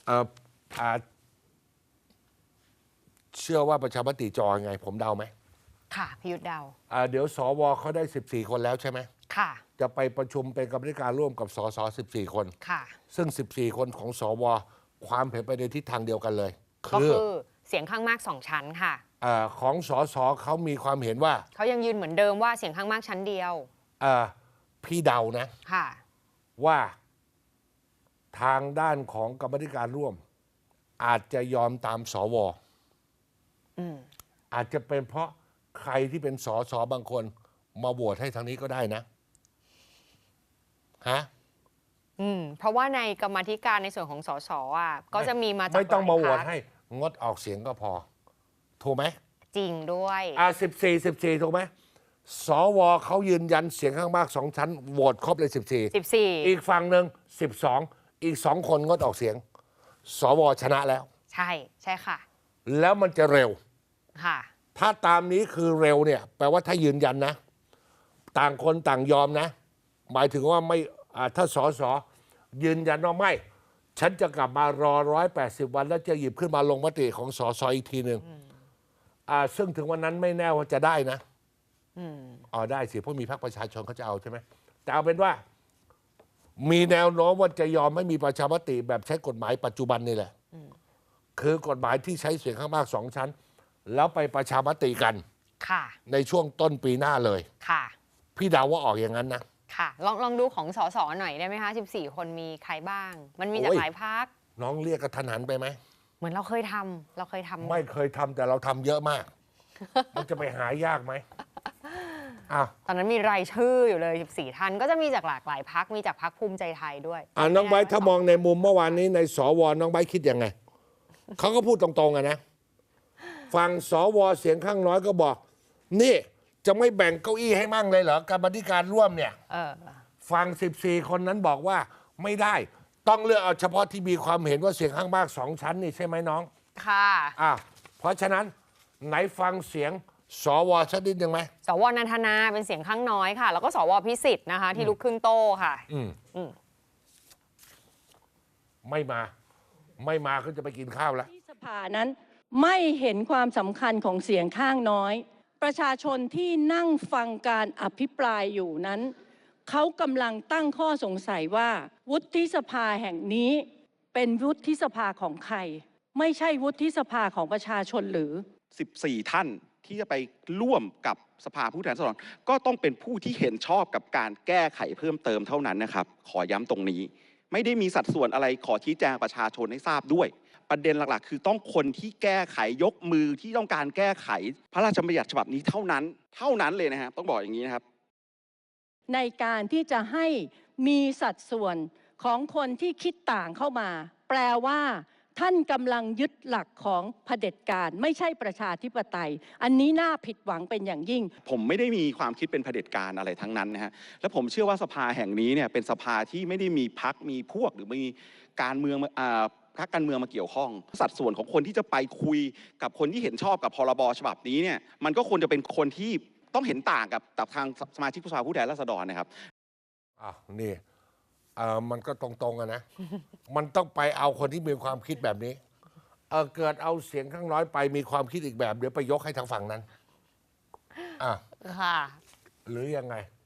เอ่ออ่าเชื่อว่าประชามติจะออกยังไง ผมเดาไหมค่ะพิยุทธเดาเดี๋ยวสวเขาได้14 คนแล้วใช่ไหมค่ะจะไปประชุมเป็นกรรมาธิการร่วมกับสส14 คนค่ะซึ่ง14 คนของสวความเห็นไปในทิศทางเดียวกันเลยก็คือเสียงข้างมาก2ชั้นค่ะของสสเขามีความเห็นว่าเขายังยืนเหมือนเดิมว่าเสียงข้างมากชั้นเดียวพี่เดานะค่ะว่าทางด้านของกรรมาธิการร่วม อาจจะยอมตามสวอาจจะเป็นเพราะใครที่เป็นสสบางคนมาโหวตให้ทางนี้ก็ได้นะฮะเพราะว่าในกรรมาธิการในส่วนของสสก็จะมีมาจากไม่ต้องมาโหวตหลายพรรคให้งดออกเสียงก็พอถูกไหมจริงด้วย 14ถูกไหมสวเขายืนยันเสียงข้างมาก2 ชั้นโหวตครบเลย14อีกฝั่งหนึ่ง12อีก2 คนงดออกเสียงสวชนะแล้วใช่ค่ะแล้วมันจะเร็วค่ะถ้าตามนี้คือเร็วเนี่ยแปลว่าถ้ายืนยันนะต่างคนต่างยอมนะหมายถึงว่าไม่ถ้าสสยืนยันว่าไม่ฉันจะกลับมารอ180 วันแล้วจะหยิบขึ้นมาลงมติของสสอีกทีหนึ่งซึ่งถึงวันนั้นไม่แน่ว่าจะได้นะได้สิเพราะมีพรรคประชาชนเขาจะเอาใช่ไหมแต่เอาเป็นว่ามีแนวโน้มว่าจะยอมไม่มีประชามติแบบใช้กฎหมายปัจจุบันนี่แหละคือกฎหมายที่ใช้เสียงข้างมาก2 ชั้นแล้วไปประชามติกันในช่วงต้นปีหน้าเลยพี่เดาว่าออกอย่างนั้นนะค่ะลองดูของสสหน่อยได้ไหมคะ14 คนมีใครบ้างมันมีจากหลายพรรคน้องเรียกกระทันหันไปไหมเหมือนเราเคยทำไม่เคยทำแต่เราทำเยอะมากมันจะไปหายากไหมตอนนั้นมีรายชื่ออยู่เลย14 ท่านก็จะมีจากหลากหลายพรรคมีจากพรรคภูมิใจไทยด้วยน้องไบร์ทถ้ามองในมุมเมื่อวานนี้ในสวน้องไบร์ทคิดยังไงเขาก็พูดตรงๆนะฝั่งสวเสียงข้างน้อยก็บอกนี่จะไม่แบ่งเก้าอี้ให้มั่งเลยเหรอกรรมาธิการร่วมเนี่ยฝั่ง14 คนนั้นบอกว่าไม่ได้ต้องเลือกเอาเฉพาะที่มีความเห็นว่าเสียงข้างมาก2 ชั้นนี่ใช่ไหมน้องค่ะเพราะฉะนั้นไหนฟังเสียงสวสักนิดยังไหมสวนันทนาเป็นเสียงข้างน้อยค่ะแล้วก็สวพิสิทธิ์นะคะที่ลุกขึ้นโต้ค่ะไม่มาก็จะไปกินข้าวแล้วที่สภานั้นไม่เห็นความสำคัญของเสียงข้างน้อยประชาชนที่นั่งฟังการอภิปรายอยู่นั้นเขากำลังตั้งข้อสงสัยว่าวุฒิสภาแห่งนี้เป็นวุฒิสภาของใครไม่ใช่วุฒิสภาของประชาชนหรือ 14 ท่านที่จะไปร่วมกับสภาผู้แทนราษฎรก็ต้องเป็นผู้ที่เห็นชอบกับการแก้ไขเพิ่มเติมเท่านั้นนะครับขอย้ำตรงนี้ไม่ได้มีสัดส่วนอะไรขอชี้แจงประชาชนให้ทราบด้วยประเด็นหลักๆคือต้องคนที่แก้ไขยกมือที่ต้องการแก้ไขพระราชบัญญัติฉบับนี้เท่านั้นเลยนะครับต้องบอกอย่างนี้นะครับในการที่จะให้มีสัดส่วนของคนที่คิดต่างเข้ามาแปลว่าท่านกำลังยึดหลักของเผด็จการไม่ใช่ประชาธิปไตยอันนี้น่าผิดหวังเป็นอย่างยิ่งผมไม่ได้มีความคิดเป็นเผด็จการอะไรทั้งนั้นนะฮะและผมเชื่อว่าสภาแห่งนี้เนี่ยเป็นสภาที่ไม่ได้มีพรรคมีพวกหรือมีการเมืองพรรคการเมืองมาเกี่ยวข้องสัดส่วนของคนที่จะไปคุยกับคนที่เห็นชอบกับพรบฉบับนี้เนี่ยมันก็ควรจะเป็นคนที่ต้องเห็นต่างกับทางสมาชิกสภาผู้แทนราษฎรนะครับนี่มันก็ตรงๆนะ มันต้องไปเอาคนที่มีความคิดแบบนี้เกิดเอาเสียงข้างน้อยไปมีความคิดอีกแบบเดี๋ยวไปยกให้ทางฝั่งนั้นค่ะหรือยังไง